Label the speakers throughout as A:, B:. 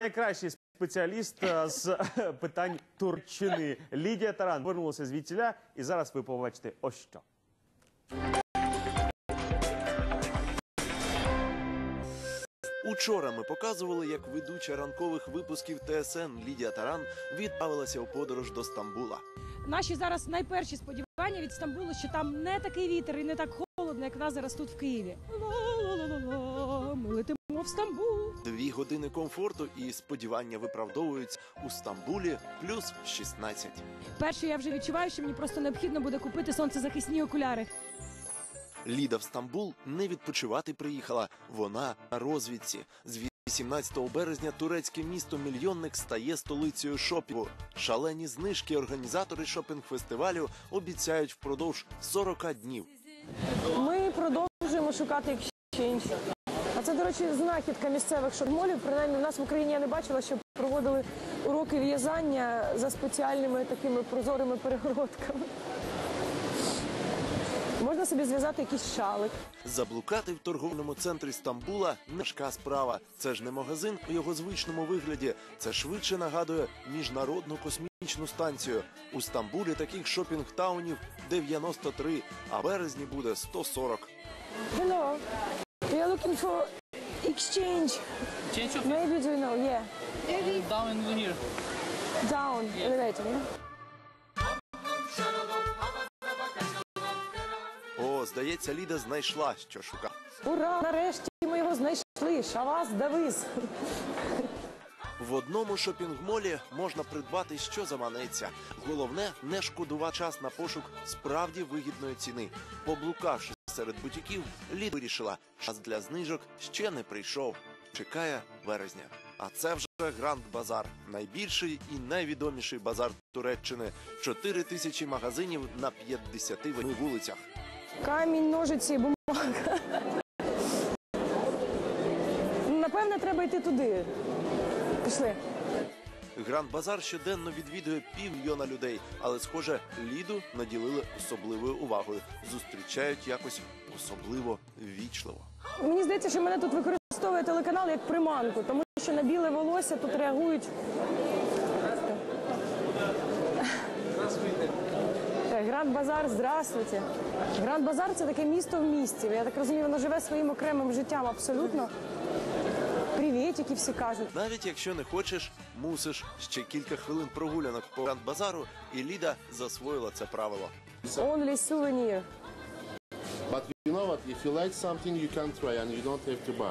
A: найкращий спеціаліст з питань Турчини. Лідія Таран повернулася звідтіля, і зараз ви побачите ось що.
B: Учора ми показували, як ведуча ранкових випусків ТСН Лідія Таран відправилася у подорож до Стамбула.
C: Наші зараз найперші сподівання від Стамбулу, що там не такий вітер і не так холодно, як в нас зараз тут в Києві. Ла-ла-ла-ла-ла, ми летимо в Стамбул.
B: 2 години комфорту і сподівання виправдовуються. У Стамбулі плюс 16.
C: Перше, я вже відчуваю, що мені просто необхідно буде купити сонцезахисні окуляри.
B: Ліда в Стамбул не відпочивати приїхала. Вона на розвідці. З 18 березня турецьке місто-мільйонник стає столицею шопінгу. Шалені знижки організатори шопінг-фестивалю обіцяють впродовж 40 днів.
D: Ми продовжуємо шукати екшенж. А це, до речі, знахідка місцевих шопмолів. Принаймні, в нас в Україні я не бачила, що проводили уроки в'язання за спеціальними такими прозорими перегородками. Можна собі зв'язати якийсь шалик.
B: Заблукати в торговельному центрі Стамбула – не важка справа. Це ж не магазин у його звичному вигляді. Це швидше нагадує міжнародну космічну станцію. У Стамбулі таких шопінг-таунів 93, а в березні буде 140.
D: Hello. We are looking for exchange. Maybe do you know? Yeah.
E: Down in here.
D: Down. Elevator, yeah?
B: О, здається, Ліда знайшла, що шукала.
D: Ура! Нарешті ми його знайшли. Шавас Давис.
B: В одному шопінг-молі можна придбати, що заманеться. Головне – не шкодувати час на пошук справді вигідної ціни. Поблукавши серед бутіків, Ліда вирішила, час для знижок ще не прийшов. Чекає березня. А це вже Гранд Базар. Найбільший і найвідоміший базар Туреччини. 4000 магазинів на 58 вулицях.
D: Камінь, ножиці, бумага. Напевне, треба йти туди. Пішли.
B: Гранд Базар щоденно відвідує 500 000 людей. Але, схоже, Ліду наділили особливою увагою. Зустрічають якось особливо ввічливо.
D: Мені здається, що мене тут використовує телеканал як приманку, тому що на біле волосся тут реагують. Гранд Базар, здравствуйте. Гранд Базар – це таке місто в місті. Я так розумію, воно живе своїм окремим життям абсолютно. Привітики всі кажуть.
B: Навіть якщо не хочеш, мусиш. Ще кілька хвилин прогулянок по Гранд Базару, і Ліда засвоїла це правило.
D: Only souvenir.
F: But you know what? If you like something, you can try and you don't have to buy.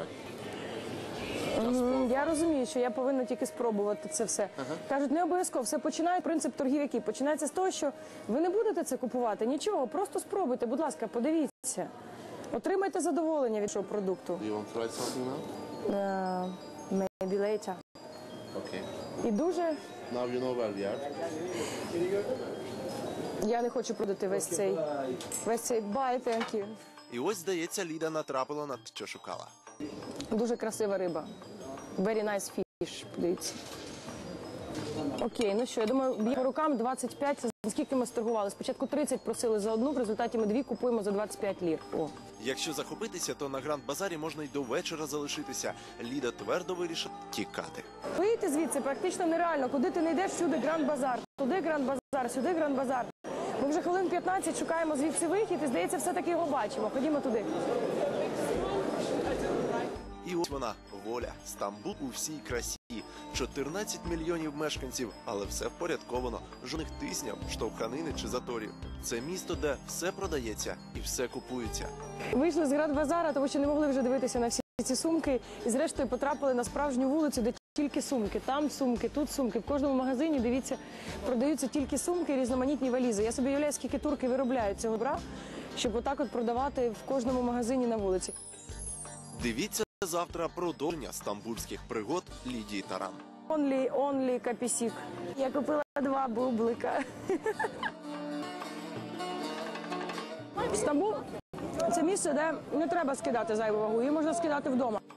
D: Я розумію, що я повинна тільки спробувати це все. Кажуть, не обов'язково. Все починає, принцип торгів який? Починається з того, що ви не будете це купувати, нічого, просто спробуйте, будь ласка, подивіться. Отримайте задоволення від цього продукту.
F: Do you want to try something now?
D: Maybe later.
F: Okay.
D: І дуже...
F: Now you know where we are.
D: Я не хочу продати весь цей bye, thank you.
B: І ось, здається, Ліда натрапила на те, що шукала.
D: Дуже красива риба. Very nice fish, подивіться. Окей, ну що, я думаю, б'є по рукам 25, це скільки ми сторгували. Спочатку 30 просили за одну, в результаті ми 2 купуємо за 25 лір. О.
B: Якщо захопитися, то на Гранд Базарі можна й до вечора залишитися. Ліда твердо вирішила тікати.
D: Вийти звідси практично нереально. Куди ти не йдеш, всюди Гранд Базар. Туди Гранд Базар, сюди Гранд Базар. Ми вже хвилин 15 шукаємо звідси вихід і, здається, все-таки його бачимо. Ходімо туди.
B: І ось вона, воля. Стамбул у всій красі. 14 мільйонів мешканців, але все впорядковано. Жодних тисняв, штовханини чи заторів. Це місто, де все продається і все купується.
D: Вийшли з Гранд Базара, тому що не могли вже дивитися на всі ці сумки. І зрештою потрапили на справжню вулицю, де тільки сумки. Там сумки, тут сумки. В кожному магазині, дивіться, продаються тільки сумки і різноманітні валізи. Я собі уявляю, скільки турки виробляють цього добра, щоб отак от продавати в кожному магазині на вулиці.
B: Дивіться завтра продовження стамбульських пригод Лідії Таран.
D: Only капісік. Я купила 2 бублика. Стамбул – це місце, де не треба скидати зайву вагу, її можна скидати вдома.